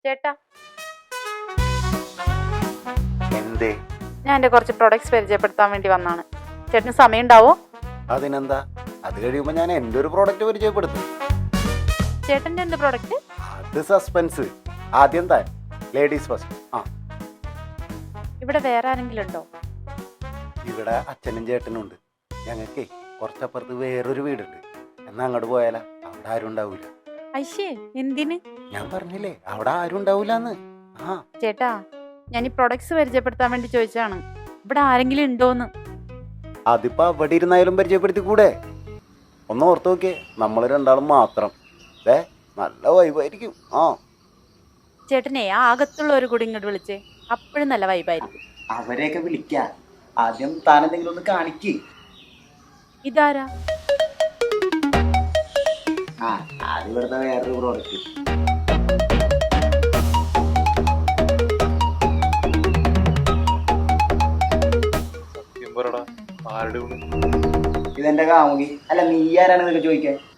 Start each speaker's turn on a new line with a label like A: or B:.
A: ചേട്ടാ,
B: എന്തേ?
A: ഞാൻ എൻ്റെ കുറച്ച് പ്രൊഡക്ട്സ് പരിചയപ്പെടുത്താൻ വേണ്ടി വന്നാണ്. ചേട്ടന് സമയം ഉണ്ടാവോ?
B: അതിനെന്താ, അത് കഴിയുമ്പോ ഞാൻ എൻ്റെ ഒരു പ്രോഡക്റ്റ് പരിചയപ്പെടുത്തും.
A: ചേട്ടൻ്റെ എന്ത് പ്രൊഡക്റ്റ്?
B: അത് സസ്പെൻസ്. ആദ്യം താൻ ലേഡീസ് ഫസ്റ്റ്.
A: ഇവിടെ വേറെ ആരെങ്കിലും ഉണ്ടോ?
B: ഇവിടെ അച്ഛനും ചേട്ടനും ഉണ്ട്. ഞങ്ങൾക്കേ കുറച്ചപ്പുറത്ത് വേറൊരു വീടുണ്ട്. എന്നാ അങ്ങോട്ട് പോയാലാ? അവിടെ ആരും ഉണ്ടാവൂല.
A: ഐശേ, എന്തിന്?
B: ഞാൻ പറഞ്ഞില്ലേ അവിടെ ആരും ഉണ്ടാവൂലെന്ന്.
A: ചേട്ടാ, ഞാൻ ഈ പ്രൊഡക്ട്സ് പരിചയപ്പെടുത്താൻ വേണ്ടി ചോദിച്ചതാണ്. ഇവിടെ ആരെങ്കിലും ഉണ്ടോന്ന്.
B: അതിപ്പോ അവിടെ ഇരുന്നായാലും പരിചയപ്പെടുത്തി കൂടെ? ഒന്ന് ഓർത്ത് നോക്കിയേ, നമ്മൾ രണ്ടാളും മാത്രം. നല്ല വൈബായിരിക്കും.
A: ചേട്ടനെ ആ അകത്തുള്ളവർ കൂടി ഇങ്ങോട്ട് വിളിച്ചേ, അപ്പോഴും നല്ല വൈബായിരിക്കും.
C: അവരെയൊക്കെ വിളിക്കാം. ആദ്യം താൻ എന്തെങ്കിലും ഒന്ന് കാണിക്ക്.
A: ഇതാരാ?
C: അത് ഇവിടുത്തെ വേറൊരു പ്രോഡക്റ്റ്. ഇതെന്റെ കാമുകി. അല്ല, നീ ആരാണെന്നൊക്കെ ചോദിക്കാൻ.